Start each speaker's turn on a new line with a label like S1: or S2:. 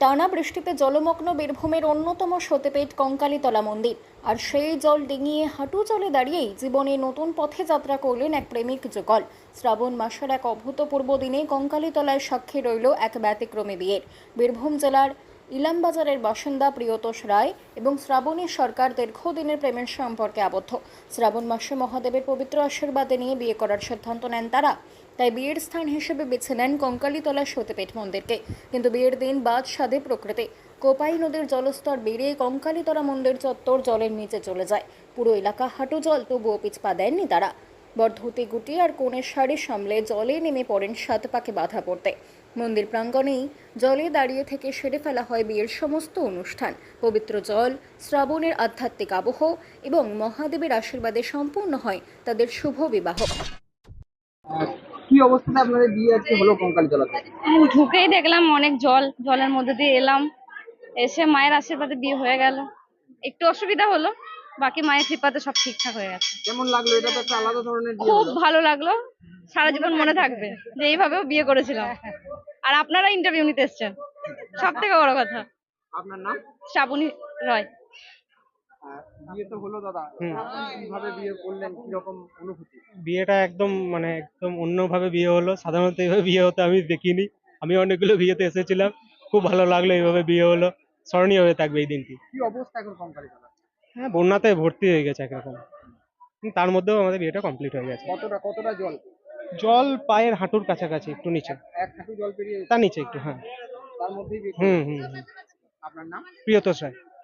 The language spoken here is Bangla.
S1: টানা বৃষ্টিতে জলমগ্ন বীরভূমের অন্যতম সতেপেট কঙ্কালীতলা মন্দির। আর সেই জল ডিঙিয়ে হাঁটু জলে দাঁড়িয়েই জীবনে নতুন পথে যাত্রা করলেন এক প্রেমিক যুগল। শ্রাবণ মাসের এক অভূতপূর্ব দিনে কঙ্কালীতলায় সাক্ষী রইল এক ব্যতিক্রমী বিয়ের। বীরভূম জেলার ইলামবাজারের বাসিন্দা প্রিয়তোষ রায় এবং শ্রাবণী সরকার দীর্ঘদিনের প্রেমের সম্পর্কে আবদ্ধ। শ্রাবণ মাসে মহাদেবের পবিত্র আশীর্বাদে নিয়ে বিয়ে করার সিদ্ধান্ত নেন তারা। তাই বিয়ের স্থান হিসেবে বেছে নেন কঙ্কালীতলা সতীপীঠ মন্দিরকে। কিন্তু বিয়ের দিন বাদ সাধে প্রকৃতি। কোপাই নদীর জলস্তর বেড়ে কঙ্কালীতলা মন্দির চত্বর জলের নিচে চলে যায়। পুরো এলাকা হাঁটু জল, তবুও পিছপা দেননি তারা। বরধুতি গুটি আর কোণের শাড়ি সামলে জলে নেমে পড়েন সাত পাকে বাধা পড়তে। মন্দির প্রাঙ্গণেই জলে দাঁড়িয়ে থেকে সেরে ফেলা হয় বিয়ের সমস্ত অনুষ্ঠান। পবিত্র জল, শ্রাবণের আধ্যাত্মিক আবহ এবং মহাদেবের আশীর্বাদে সম্পূর্ণ হয় তাদের শুভ বিবাহ।
S2: কি অবস্থাতে আপনাদের বিয়ে আজকে হলো কঙ্কালীতলাতে?
S3: ঢুকেই দেখলাম অনেক জল, জলের মধ্যে দিয়ে এলাম, এসে মায়ের আশীর্বাদে বিয়ে হয়ে গেল। একটু অসুবিধা হলো, বাকি মায়ের কৃপাতে সব ঠিকঠাক হয়ে গেছে।
S2: কেমন লাগলো? এটা তো একটা আলাদা ধরনের বিয়ে
S3: খুব
S2: হলো।
S3: ভালো লাগলো, সারা জীবন মনে থাকবে যে এইভাবেও বিয়ে করেছিলাম। আর আপনারা ইন্টারভিউ নিতে এসেছেন, সব থেকে বড় কথা।
S2: আপনার নাম?
S3: শ্রাবণী রয়।
S2: বিয়ে তো হলো দাদা, কিভাবে বিয়ে করলেন, কি রকম অনুভূতি?
S4: বিয়েটা একদম অন্যভাবে বিয়ে হলো। সাধারণত এইভাবে বিয়ে হতে আমি দেখিনি। আমি অনেকগুলো বিয়েতে এসেছিলাম, খুব ভালো লাগলো এইভাবে বিয়ে হলো। স্মরণীয় হয়ে থাকবে এই দিনটি।
S2: কি অবস্থা এখন কঙ্কালীতলা?
S4: হ্যাঁ, বন্যাতে ভর্তি হয়ে গেছে একরকম, কিন্তু তার মধ্যেও আমাদের বিয়েটা কমপ্লিট হয়ে গেছে।
S2: কতটা কতটা জল?
S4: জল পায়ের হাঁটুর কাছাকাছি, একটু নিচে,
S2: এক হাঁটু জল পেরিয়ে
S4: তার নিচে একটু, হ্যাঁ।
S2: তার মধ্যেই বিয়ে
S4: হুম
S2: করলেন।
S4: হুম হুম।
S2: আপনার নাম?
S4: প্রিয়তোষ রায়।